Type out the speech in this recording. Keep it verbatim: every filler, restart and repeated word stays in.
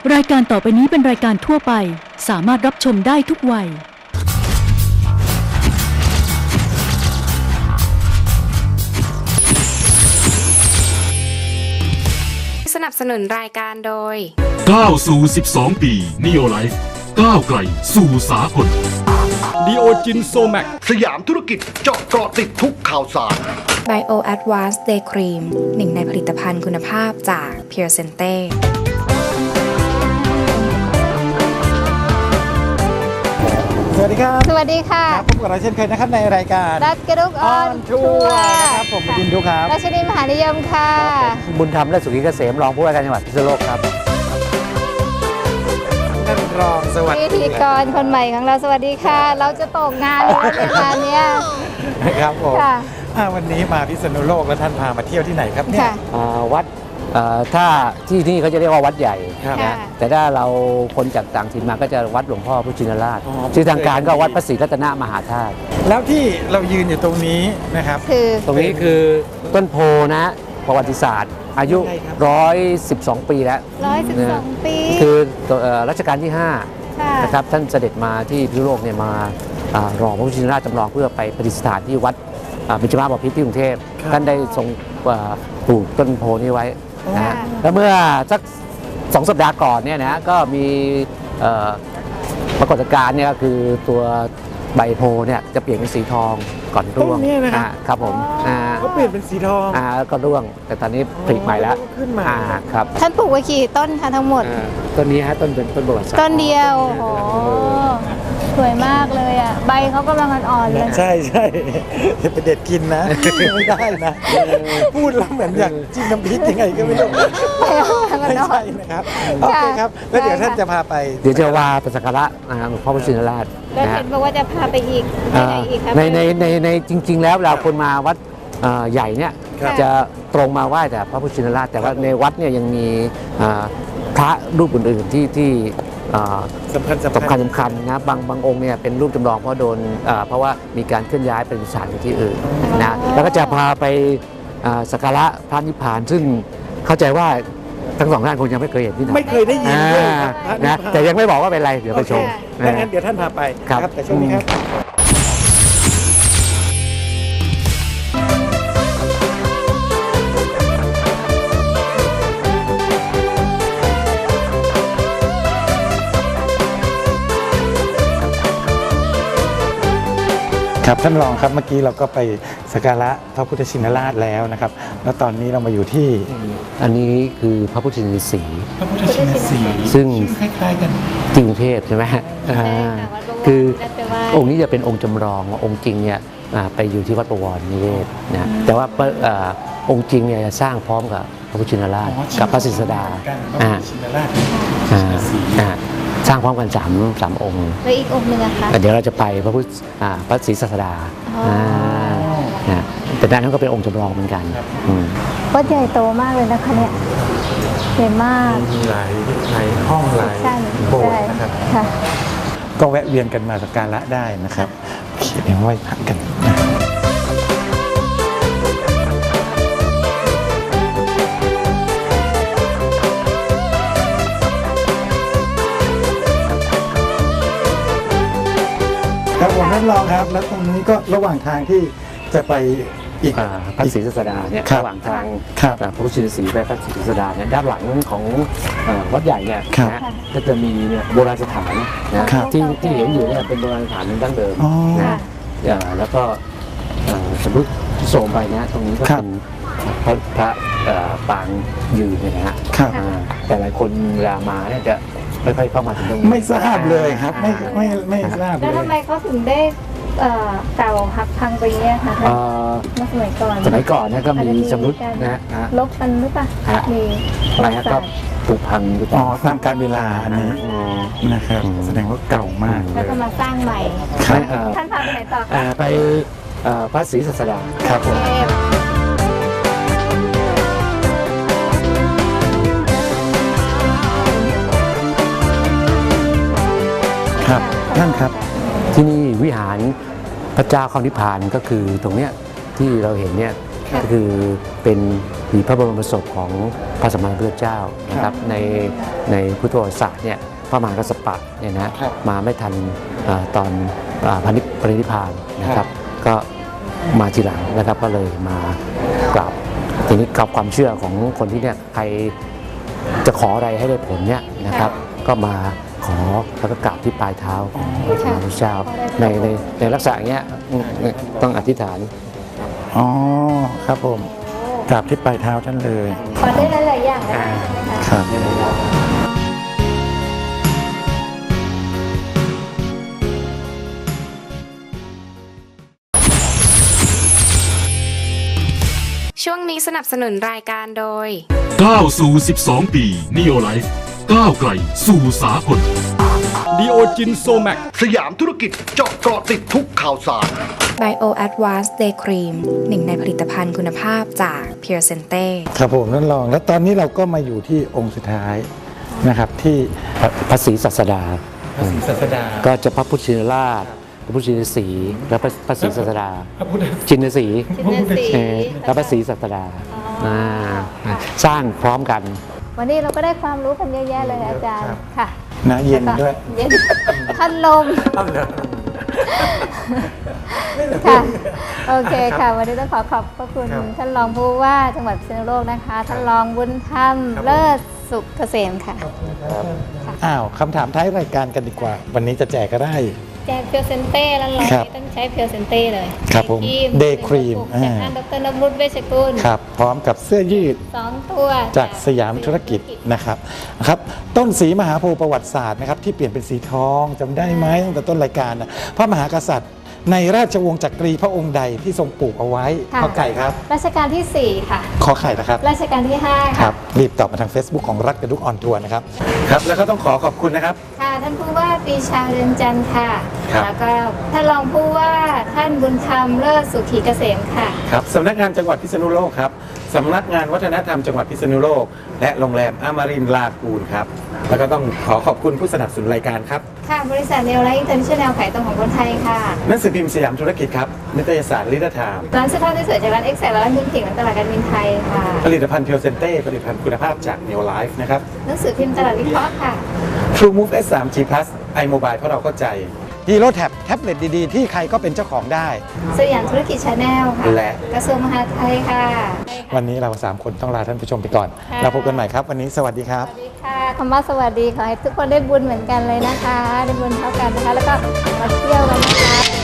รายการต่อไปนี้เป็นรายการทั่วไปสามารถรับชมได้ทุกวัยสนับสนุนรายการโดยก้าวสู่สิบสองปี Neo Life ก้าวไกลสู่สากลดีโอจินโซแมกสยามธุรกิจเจาะเกาะติดทุกข่าวสาร Bio Advanced Day Cream หนึ่งในผลิตภัณฑ์คุณภาพจาก Pure Sente สวัสดีครับสวัสดีค่ะพบกับเราเช่นเคยนะครับในรายการรัดกระดุกออนทัวร์นะครับผมบินทุกครับราชนีมหานิยมค่ะบุญธรรมและสุขีเกษมรองผู้ว่าการจังหวัดพิษณุโลกครับท่านรองสวัสดีพิธีกรคนใหม่ของเราสวัสดีค่ะเราจะตกงานแล้วในงานนี้ครับผมวันนี้มาพิษณุโลกแล้วท่านพามาเที่ยวที่ไหนครับเนี่ยวัดถ้าที่นี่เขาจะเรียกว่าวัดใหญ่นะแต่ถ้าเราคนจากต่างถิ่นมาก็จะวัดหลวงพ่อพุทธชินราชชื่อทางการก็วัดพระศรีรัตนมหาธาตุแล้วที่เรายืนอยู่ตรงนี้นะครับคือตรงนี้คือต้นโพนะประวัติศาสตร์อายุหนึ่งร้อยสิบสองปีแล้วหนึ่งร้อยสิบสองปีคือรัชกาลที่ห้านะครับท่านเสด็จมาที่พิษณุโลกเนี่ยมารอพระพุทธชินราชจำลองเพื่อไปประดิษฐานที่วัดบิณฑบาตบพิตรที่กรุงเทพท่านได้ทรงปลูกต้นโพนี้ไว้นะแล้วเมื่อสักสองสัปดาห์ก่อนเนี่ยนะก็มีปรากฏการณ์เนี่ยก็คือตัวใบโพเนี่ยจะเปลี่ยนเป็นสีทองก่อนร่วงครับผมเขาเปลี่ยนเป็นสีทองอ่าก็ร่วงแต่ตอนนี้ผลิใหม่แล้วขึ้นมาครับท่านปลูกไว้กี่ต้นคะทั้งหมดต้นนี้ฮะต้นเป็นต้นประวัติศาสตร์ต้นเดียวโอ้โหสวยมากเลยอ่ะใบเขากำลังอ่อนๆเลยใช่ใช่ไปเด็ดกินนะไม่ได้นะพูดแล้วเหมือนอย่างจิ้มน้ำพริกยังไงก็ไม่รู้ไม่ใช่นะครับโอเคครับแล้วเดี๋ยวท่านจะพาไปเดี๋ยวจะว่าไปสักการะหลวงพ่อพุทธชินราชแล้วเห็นบอกว่าจะพาไปอีกไหนอีกครับในในในในจริงๆแล้วเราคนมาวัดใหญ่เนี่ยจะตรงมาไหว้แต่พระพุทธชินราชแต่ว่าในวัดเนี่ยยังมีพระรูปอื่นๆที่ที่สำคัญสำคัญสำคัญนะบางบางองค์เนี่ยเป็นรูปจำลองเพราะโดนเพราะว่ามีการเคลื่อนย้ายไปดิษฐานที่อื่นนะแล้วก็จะพาไปสักการะพระนิพพานซึ่งเข้าใจว่าทั้งสองท่านคงยังไม่เคยเห็นที่ไหนไม่เคยได้ยินเลยนะแต่ยังไม่บอกว่าเป็นไรเดี๋ยวไปชมงั้นเดี๋ยวท่านพาไปครับแต่ช่วงนี้ครับครับท่านรองครับเมื่อกี้เราก็ไปสักการะพระพุทธชินราชแล้วนะครับแล้วตอนนี้เรามาอยู่ที่อันนี้คือพระพุทธชินสีพระพุทธชินสีซึ่งคล้ายๆกันกรุงเทพใช่ไหมคือองค์นี้จะเป็นองค์จำลององค์จริงเนี่ยไปอยู่ที่วัดประวรนิเวศนะแต่ว่าองค์จริงเนี่ยจะสร้างพร้อมกับพระพุทธชินราชกับพระศรีสดาสร้างพร้อมกันสามสามองค์แล้วอีกองค์หนึ่งอะคะเดี๋ยวเราจะไปพระพุทธพระศรีศาสดาแต่ด้านนั้นก็เป็นองค์จำลองเหมือนกันวัดใหญ่โตมากเลยนะคะเนี่ยใหญ่มากมีหลายหลายห้องหลายโบสถ์นะครับก็แวะเวียนกันมาสักการะได้นะครับเขียนเอาไว้พักกันครับผมท่านรองครับแล้วตรงนี้ก็ระหว่างทางที่จะไปอีกพระศรีศาสดาเนี่ยระหว่างทางพระพุทธชินสีไปพระศรีศาสดาเนี่ยด้านหลังของวัดใหญ่เนี่ยนะก็จะมีเนี่ยโบราณสถานนะที่ที่เห็นอยู่เนี่ยเป็นโบราณสถานดั้งเดิมนะแล้วก็สมมติที่โซมไปนะตรงนี้ก็เป็นพระพระปางยืนเนี่ยนะฮะแต่หลายคนเวลามาเนี่ยจะไม่ค่อยเข้ามาถึงตรงนี้ไม่ทราบเลยครับไม่ไม่ไม่ทราบเลยแล้วทำไมเขาถึงได้เก่าหักพังไปเงี้ยคะเมื่อสมัยก่อนสมัยก่อนเนี่ยก็มีชำรุดนะลบกันหรือเปล่ามีอะไรก็ผุพังอ๋อตามการเวลาอันนี้นะครับแสดงว่าเก่ามากแล้วก็มาสร้างใหม่ท่านพาไปไหนต่อไปพระศรีศาสดาครับผมครับท่านครับที่นี่วิหารพระเจ้าเข้านิพพานก็คือตรงเนี้ยที่เราเห็นเนี่ยก็คือเป็นผีพระบรมศพของพระสัมมาสัมพุทธเจ้านะครับในในพุทธประวัติศาสตร์เนี่ยพระมหากัสสปะเนี่ยนะมาไม่ทันอาตอนอาพระนิพพานิพพานนะครับก็มาทีหลังนะครับก็เลยมากราบทีนี้กับความเชื่อของคนที่เนี่ยใครจะขออะไรให้ได้ผลเนี่ยนะครับก็มาขอแล้วก็กราบที่ปลายเท้าของพระพุทธเจ้าในในในลักษณะอย่างเงี้ยต้องอธิษฐานอ๋อครับผมกราบที่ปลายเท้าท่านเลยขอได้หลายๆอย่างนะคะครับช่วงนี้สนับสนุนรายการโดยก้าวสู่ สิบสอง ปี Neo Life ก้าวไกลสู่สากลดีโอจินโซแมกสยามธุรกิจเจาะเกาะติดทุกข่าวสาร Bio Advanced Day Cream หนึ่งในผลิตภัณฑ์คุณภาพจาก Pure Sente ครับผมนั่นลองแล้วตอนนี้เราก็มาอยู่ที่องค์สุดท้ายนะครับที่พระศรีศัสดาพระศรีศาสดาก็จะพระพุทธชินราช พระพุทธชินสีห์และพระพระศรีศัสดาพระพุทธชินสีห์ชินสีเออและพระศรีศัสดาาสร้างพร้อมกันวันนี้เราก็ได้ความรู้กันเยอะแยะเลยอาจารย์ค่ะนะเย็นด้วยเย็นท่านลมค่ะโอเคค่ะ วันนี้ต้องขอขอบพระคุณครับท่านรองผู้ว่าจังหวัดพิษณุโลกนะคะ ท่านรองบุญธรรมครับเลิศสุขเกษมค่ะอ้าวคำถามท้ายรายการกันดีกว่า วันนี้จะแจกก็ได้แจกเพียวเซนเต้แล้วเราครับต้องใช้เพียวเซนเต้เลยครับผม Day Cream จากท่านดรนพรุตเวชกุลครับ พร้อมกับเสื้อยืดสองตัวจากสยามธุรกิจนะครับนะครับ ต้นสีมหาโพธิ์ประวัติศาสตร์นะครับที่เปลี่ยนเป็นสีทองจำได้ไหมตั้งแต่ต้นรายการนะพระมหากษัตริย์ในราชวงศ์จักรีพระองค์ใดที่ทรงปลูกเอาไว้ค่ะขอไก่ครับรัชกาลที่สี่ค่ะขอไข่นะครับรัชกาลที่ห้าคค่ะรับรีบตอบมาทาง Facebook ของรัฐกระดุกออนทัวร์นะครับครับแล้วก็ต้องขอขอบคุณนะครับค่ะท่านผู้ว่าปรีชาเรือนจันทร์ค่ะครับแล้วก็ท่านรองผู้ว่าท่านบุญธรรมเลิศสุขีเกษมค่ะครับสำนักงานจังหวัดพิษณุโลกครับสำนักงานวัฒนธรรมจังหวัดพิษณุโลก และโรงแรมอมรินทร์ลากูนครับแล้วก็ต้องขอขอบคุณผู้สนับสนุนรายการครับค่ะ บริษัทเนลไลท์อินเตอร์เนชั่นแนลขายตรงของคนไทยค่ะหนังสือพิมพ์สยามธุรกิจครับนิตยสารลิเดอร์ไทม์ร้านเสื้อผ้าที่สวยจากร้านเอ็กแซและร้านคุณผิงและตลาดการบินไทยค่ะผลิตภัณฑ์เพียวเซนเต้ผลิตภัณฑ์คุณภาพจาก Neo Life นะครับหนังสือพิมพ์ตลาดวิเคราะห์ค่ะ True Move เอส ทรี จี Plus iMobile เพราะเราเข้าใจฮีโร่แท็บแท็บเล็ตดีๆ ที่ใครก็เป็นเจ้าของได้สยามธุรกิจชาแนลค่ะและกระทรวงมหาดไทยค่ะวันนี้เราสามคนต้องลาท่านผู้ชมไปก่อนค่ะเราพบกันใหม่ครับ วันนี้สวัสดีครับสวัสดีค่ะคำว่าสวัสดีขอให้ทุกคนได้บุญเหมือนกันเลยนะคะ ได้บุญเท่ากันนะคะ แล้วก็มาเที่ยวกันนะคะ